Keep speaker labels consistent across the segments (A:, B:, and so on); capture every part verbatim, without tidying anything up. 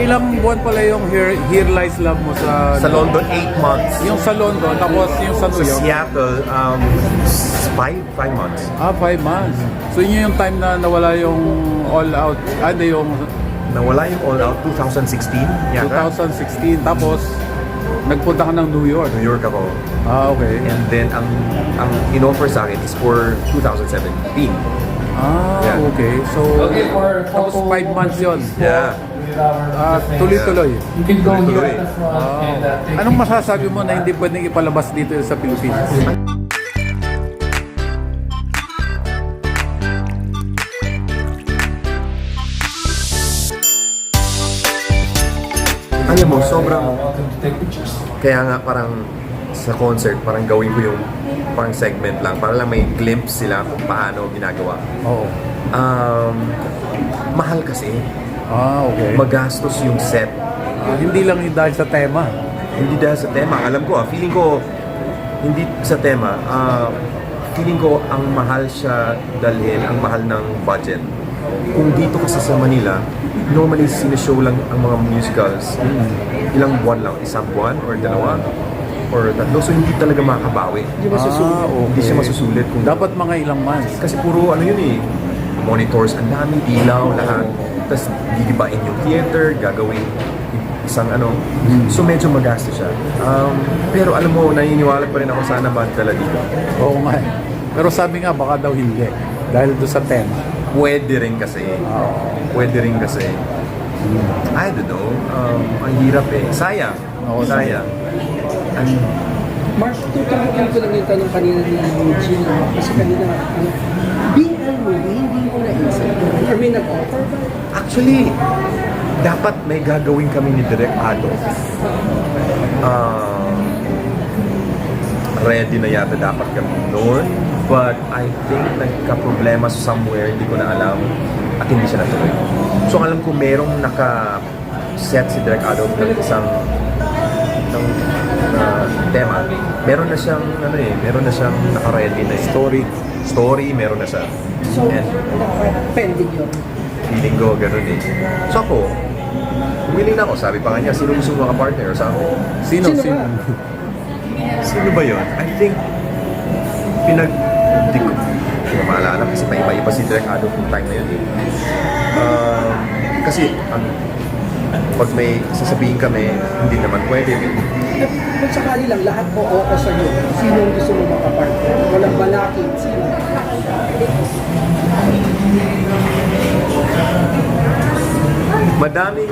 A: ilang buwan pala yung Here, Here Lies Love mo sa...
B: Sa London, eight months.
A: Yung sa London, tapos yung sa New
B: Sa
A: York?
B: Seattle, um, five, five months.
A: Ah, five months. So yun yung time na nawala yung all out, ano yung
B: Nawala yung all out, twenty sixteen. Yata.
A: twenty sixteen. Tapos, nagpunta ka ng New York.
B: New York ako.
A: Ah, okay.
B: And then, ang ang in-offer sa akin is for twenty seventeen.
A: Ah,
B: Yeah.
A: okay. So, tapos five months yun.
B: Yeah.
A: Ah, tuloy-tuloy.
C: You can go
B: Tuloy-tuloy.
C: here as well. And, uh, take
A: Anong masasabi mo na hindi pwedeng ipalabas dito sa Pilipinas?
B: Alam mo, sobrang...
C: welcome to take pictures.
B: Kaya nga parang sa concert, parang gawin ko yung parang segment lang. Para lang may glimpse sila kung paano ginagawa.
A: Oo.
B: Um, mahal kasi.
A: Ah, okay.
B: Magastos yung set.
A: Ah, hindi lang yung dahil sa tema.
B: Hindi dahil sa tema. Alam ko, ah, feeling ko, hindi sa tema, ah, feeling ko ang mahal siya dalhin, ang mahal ng budget. Kung dito kasi sa Manila, normally sineshow lang ang mga musicals. Ilang buwan lang, isang buwan or dalawa or tatlo. So hindi talaga makakabawi. Hindi masusulit.
A: Ah, okay.
B: Hindi siya masusulit. Kung
A: Dapat mga ilang months.
B: kasi puro ano yun eh, monitors, ang daming ilaw, lahat. Tapos gigibain yung theater, gagawin isang ano. So medyo magastos siya. Um, pero alam mo, naniniwala pa rin ako sana magdala dito.
A: Oo nga. eh. Pero sabi nga, baka daw hindi. Dahil doon sa tema.
B: Pwede rin kasi. Pwede rin kasi. I don't know. Um, ang hirap eh. Sayang.
A: Oo,
B: Sayang. Ang,
D: Mark, tuturukin ko lang yung tanong kanina ni Eugene, no? Kasi kanina, ano, B L movie, hindi mo naisip. Or may nag-offer ba?
B: actually, dapat may gagawin kami ni Direk Ado. Ah, ready na yata dapat kami noon. But I think nagka-problema somewhere, hindi ko na alam. At hindi siya natuloy. So alam ko merong naka-set si Direk Ado ng isang ng na tema. Meron na siyang ano eh, meron na siyang naka-ready na eh.
A: Story.
B: Story, meron na siya.
D: So,
B: And
D: pending yun.
B: feeling ko ganun eh. So ako, willing na ako. Sabi pa kanya, sino gusto mo maka-partner sa ako?
A: Sino?
D: Sino
A: Sino?
D: ba?
B: Sino ba yun? I think, pinag... Hindi ko, hindi ko maalala kasi paiba-iba si Direk Ado kung time na yun eh. Um, kasi, ang pag may sasabihin kami, hindi naman pwede.
D: At kung sakali lang, lahat po oo sa iyo. Sino ang gusto mo makapartner? Walang balakid. Sino?
B: Madaming...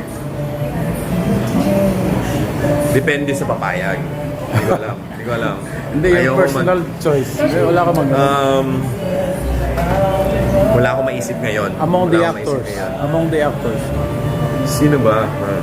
B: Depende sa papayag. Hindi ko alam. Hindi ko alam.
A: Hindi,
B: Ayaw
A: yung
B: ko
A: personal
B: man-
A: choice. Eh, wala ka mag
B: Um, wala akong maisip ngayon.
A: Among the
B: Wala akong maisip
A: actors.
B: ngayon.
A: Among the actors.
B: Sino ba? Ah,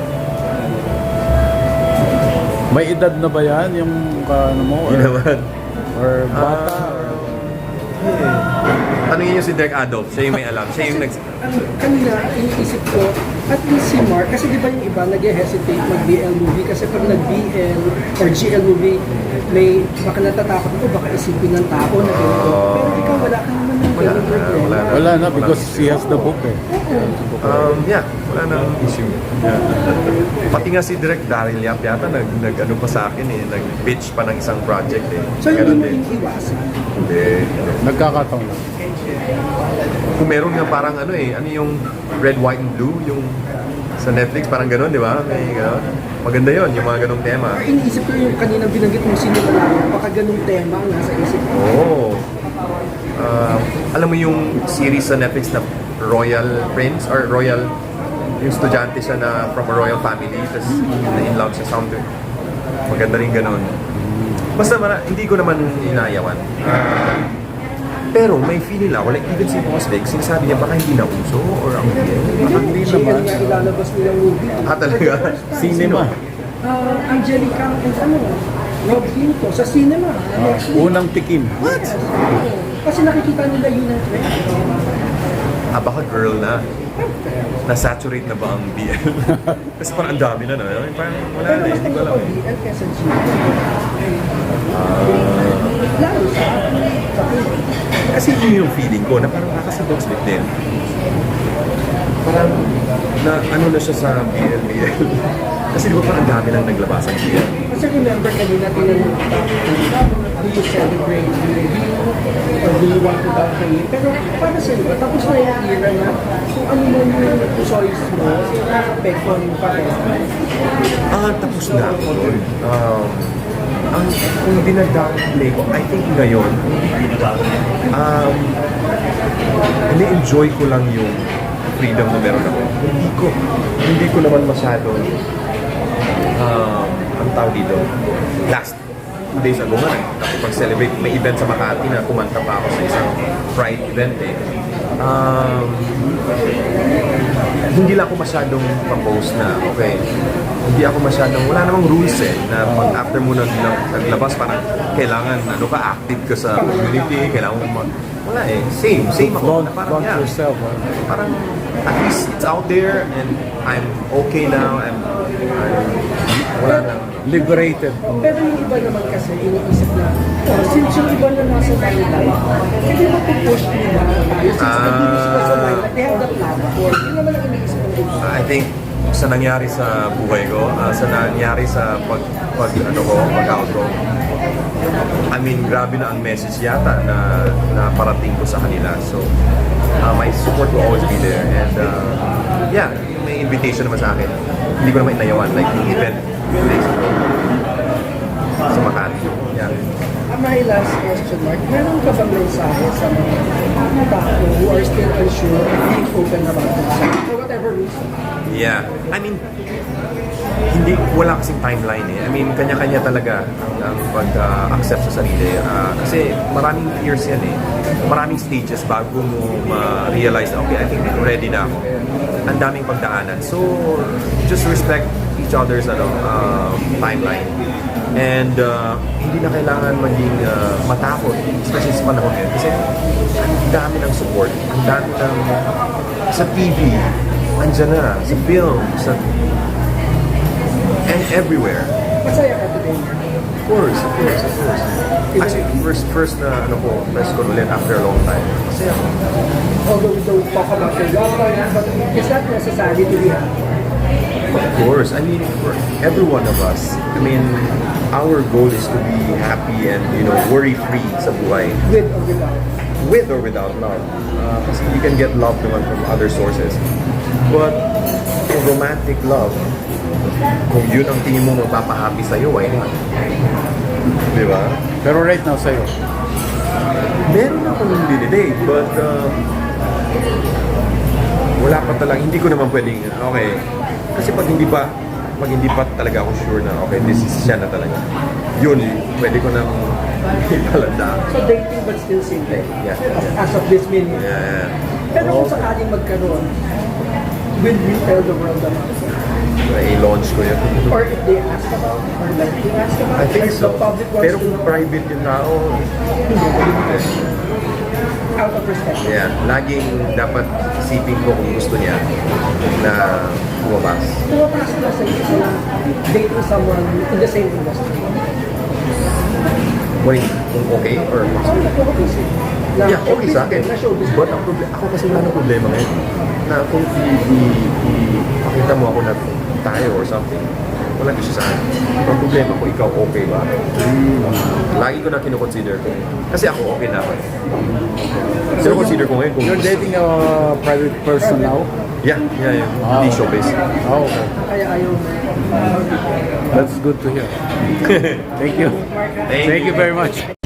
A: May edad na ba yan? Yung ka- ano mo? Or,
B: Yun naman.
A: or bata?
B: Ah,
A: or,
B: Tanungin niyo si Direk Adolf. Siya yung may alam. Siya yung nag...
D: Ang kanina, iniisip ko, at least si Mark, kasi di ba yung iba nag-hesitate mag-B L movie kasi pag nag-B L or G L movie, may baka natatakot ko, baka isipin ng tao na ganito. Pero ikaw, wala ka naman ng
B: Wala
D: ganun
B: na,
D: problema.
B: wala na.
A: wala na because he has the book eh.
B: Um, yeah, wala nang issue. Yeah. Pati nga si Direk Daryl Yap yata nag, nag ano pa sa akin eh, nag-pitch pa ng isang project eh.
D: So hindi
B: Ganun
D: mo
B: din.
D: iniiwasan.
B: Hindi.
A: Nagkakataon lang.
B: Kung meron nga parang ano eh, ano yung Red, White, and Blue, yung sa Netflix, parang gano'n, di ba? May gano'n. Maganda yon yung mga ganong tema.
D: Or iniisip ko yung kanina binanggit mong sino na lang, baka ganung tema ang nasa isip ko.
B: Oo. Ah, alam mo yung series sa Netflix na Royal Prince or Royal, yung estudyante siya na from a royal family, tapos na in love siya something. Maganda rin ganun. Basta mara, hindi ko naman inayawan. Ah, pero may feeling lang ako, like even si Boss Vic, sinasabi niya baka hindi na uso or ang
A: Baka hindi
D: G L
A: naman.
D: nga ilalabas nilang movie.
B: Ah, talaga?
A: Cinema.
D: Ah, Angelica and ano, Rob Hinto sa cinema. next week.
A: Unang tikim.
B: What?
D: Kasi nakikita nila yun ang trend.
B: Ah, baka girl na. Na-saturate na ba ang B L? Kasi parang ang dami na, no? Parang wala
D: Pero
B: na,
D: mas
B: hindi ko alam
D: ako
B: eh.
D: B L kesa G L. Lalo sa sa
B: Kasi yun yung feeling ko, na parang kakasabog split din. Parang, na ano na siya sa B L B L. Kasi di ba parang dami lang naglabasan B L.
D: Kasi remember kanina tinanong kita, do you celebrate the review or do you want to downplay it? Pero para sa iba, tapos na yung era na kung ano man yung choice mo, nakapekon pa rin.
B: Ah, tapos na ako doon. Um, ang kung dinag-downplay ko, I think ngayon, um, ini-enjoy ko lang yung freedom na meron ako. Hindi ko, hindi ko naman masyado, um, ang tawag dito, last two days ago nga, nakipag-celebrate, may event sa Makati na kumanta pa ako sa isang Pride event eh. Um, hindi lang ako masyadong pa-post na, okay, hindi ako masyadong, wala namang rules eh, na pag after mo nag, naglabas, parang kailangan, ano ka, active ka sa community, kailangan mo mag, wala eh, same, same ako, na
A: Don't,
B: parang,
A: don't
B: yeah,
A: yourself. Huh?
B: parang, at least it's out there, and I'm okay now, I'm, I'm wala na.
A: Liberated.
D: Pero yung iba naman kasi, iniisip na, oh, since yung iba na nasa Thailand, hindi mo pupush nila tayo. Since
B: Ah.
D: nag-iisip ka sa Thailand, they have the platform. Yun naman ang iniisip ng iba.
B: I think sa nangyari sa buhay ko, ah, sa nangyari sa pag, pag ano ko, pag-out ko, I mean, grabe na ang message yata na, na parating ko sa kanila. So, uh, my support will always be there. And uh, yeah, may invitation naman sa akin. Hindi ko naman inayawan, like yung event two days ago sa Makati. Yeah.
D: Ah, my last question, Mark. Meron ka bang mensahe sa mga tao who are still unsure and being open about themselves for whatever reason?
B: Yeah. I mean, hindi, wala kasing timeline eh. I mean, kanya-kanya talaga ang, ang pag-accept sa sarili. Uh, kasi maraming years yan eh. Maraming stages bago mo ma-realize na, okay, I think ready na ako. Ang daming pagdaanan. So, just respect each other's ano, um, timeline. And uh, hindi na kailangan maging uh, matakot, especially sa panahon ngayon. Kasi ang dami ng support, ang dami ng sa T V, andyan na, sa film, sa and everywhere.
D: Masaya ka today.
B: Of course, of course, of course. Actually, first, first na ano ko, press ko ulit after a long time. Kasi ako,
D: Although we don't talk about your love life, but it's not necessary to be happy.
B: of course, I mean, for every one of us, I mean, our goal is to be happy and, you know, worry-free sa buhay.
D: With or without.
B: With or without love. Uh, kasi you can get love naman from other sources. But, kung romantic love, kung yun ang tingin mo magpapahappy sa'yo, why not? Di ba?
A: Pero right now sa'yo,
B: Meron akong dinidate, but um, wala pa talaga, hindi ko naman pwedeng, okay. Kasi pag hindi pa, pag hindi pa talaga ako sure na, okay, this is siya na talaga. Yun, pwede ko nang ipalanda.
D: So dating but still single.
B: Yeah.
D: As of this minute.
B: Yeah.
D: Pero kung sakaling magkaroon, will you tell the world about it?
B: I-launch ko yun.
D: Or if they ask about it, or like they ask about
B: I
D: it,
B: think
D: or
B: so.
D: the public wants
B: Pero
D: to
B: kung
D: know,
B: private yung tao,
D: out of respect.
B: yeah, laging dapat isipin ko kung gusto niya na lumabas.
D: Pumapasok na sa isip na dating someone in the same industry.
B: Wait, kung okay or
D: Ano na po kasi? Na
B: yeah, okay sa akin.
D: Na showbiz.
B: But ang problema, ako kasi wala nang problema ngayon. Na kung i- i- ipakita mo ako na tayo or something, walang issue sa akin. Ang problema ko, ikaw okay ba? Lagi ko na kinukonsider ko. Kasi ako okay na ako. Kinukonsider ko ngayon kung
A: you're
B: gusto.
A: dating a private person now?
B: Yeah, yeah, yeah.
A: Ah.
B: Hindi showbiz.
A: Oh, okay.
D: Kaya ayaw mo.
A: That's good to hear. Thank you.
B: Thank
A: Thank you very much.